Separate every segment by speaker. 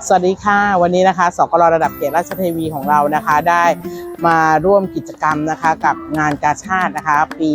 Speaker 1: สวัสดีค่ะวันนี้นะคะสกลระดับเขตราชเทวีของเรานะคะได้มาร่วมกิจกรรมนะคะกับงานกาชาดนะคะปี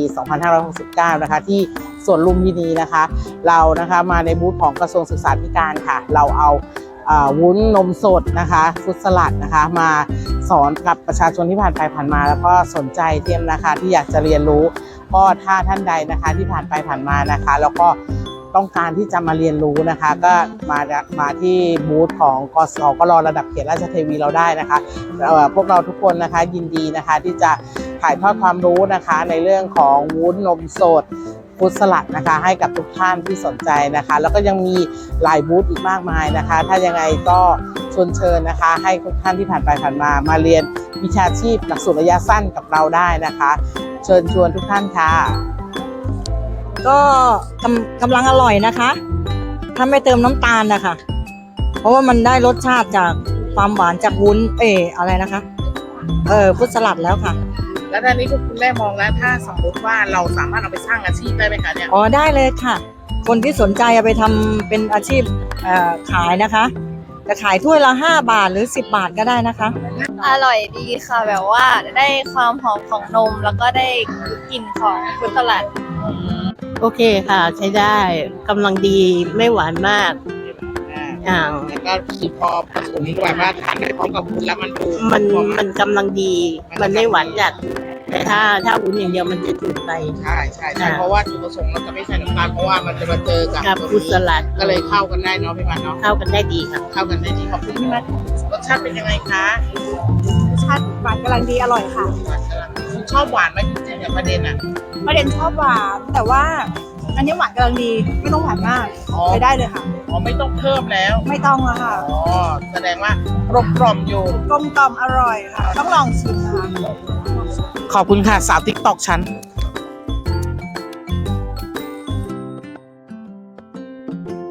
Speaker 1: 2569นะคะที่สวนลุมพินีนะคะเรานะคะมาในบูธของกระทรวงศึกษาธิการค่ะเราเอาวุ้นนมสดนะคะฟรุตสลัดนะคะมาสอนกับประชาชนที่ผ่านไปผ่านมาแล้วก็สนใจเตรียมนะคะที่อยากจะเรียนรู้ก็ถ้าท่านใดนะคะที่ผ่านไปผ่านมานะคะแล้วก็ต้องการที่จะมาเรียนรู้นะคะก็มาที่บูธของสกลระดับเขตราชเทวีเราได้นะคะพวกเราทุกคนนะคะยินดีนะคะที่จะถ่ายทอดความรู้นะคะในเรื่องของวุ้นนมสดฟรุตสลัดนะคะให้กับทุกท่านที่สนใจนะคะแล้วก็ยังมีหลายบูธอีกมากมายนะคะถ้ายังไงก็ชวนเชิญนะคะให้ทุกท่านที่ผ่านไปผ่านมาเรียนวิชาชีพหลักสูตรระยะสั้นกับเราได้นะคะเชิญชวนทุกท่านค่ะ
Speaker 2: ก็กำลังอร่อยนะคะถ้าไม่เติมน้ำตาลนะคะเพราะว่ามันได้รสชาติจากความหวานจากวุ้นอะไรนะคะฟรุตสลัดแล้วค่ะ
Speaker 1: แล้วตอนนี้คุณแม่มองแล้วถ้าสมมติว่าเราสามารถเอาไปสร้างอาชีพได้ไหมคะเนี่ย
Speaker 2: อ๋อได้เลยค่ะคนที่สนใจเอาไปทำเป็นอาชีพขายนะคะจะขายถ้วยละ5 บาทหรือ10 บาทก็ได้นะคะ
Speaker 3: อร่อยดีค่ะแบบว่าได้ความหอมของนมแล้วก็ได้กลิ่นของฟรุตสลัด
Speaker 4: โอเคค่ะใช้ได้กำลังดีไม่หวานมาก
Speaker 1: แล้วก็คือพอผสมแบบว่าทานไปพร้อมกับวุ้นแล้ว
Speaker 4: มันกำลังดีมันไม่หวานจัดแต่ถ้าวุ้นอย่างเดียวมันจะจืดไป
Speaker 1: ใช่เพราะว่าจุดประสงค์เราจะไม่ใส่น้ำตาลเพราะว่ามันจะมาเจอกับ
Speaker 4: ฟรุตสลัด
Speaker 1: ก็เลยเข้ากันได้เนาะพี่มันเนาะ
Speaker 4: เข้ากันได้ดีค่ะ
Speaker 1: เข้ากันได้ดีขอบคุณพี่มันรสชาติเป็นยังไงคะ
Speaker 3: รสชาติหวานกำลังดีอร่อยค่ะ
Speaker 1: คุณชอบหวานไหมจริงๆเนี่ยประเด็น
Speaker 3: ชอบหวานแต่ว่าอันนี้หวานกำลังดีไม่ต้องหวานมากใช้ได้เลยค่ะ
Speaker 1: อ๋อไม่ต้องเพิ่มแล้ว
Speaker 3: ไม่ต้องแล้วค่ะ
Speaker 1: อ๋อแสดงว่ากลมอยู่
Speaker 3: กลมอร่อยค่ะต้องลองชิมนะคะ
Speaker 1: ขอบคุณค่ะสาวติ๊กตอกฉัน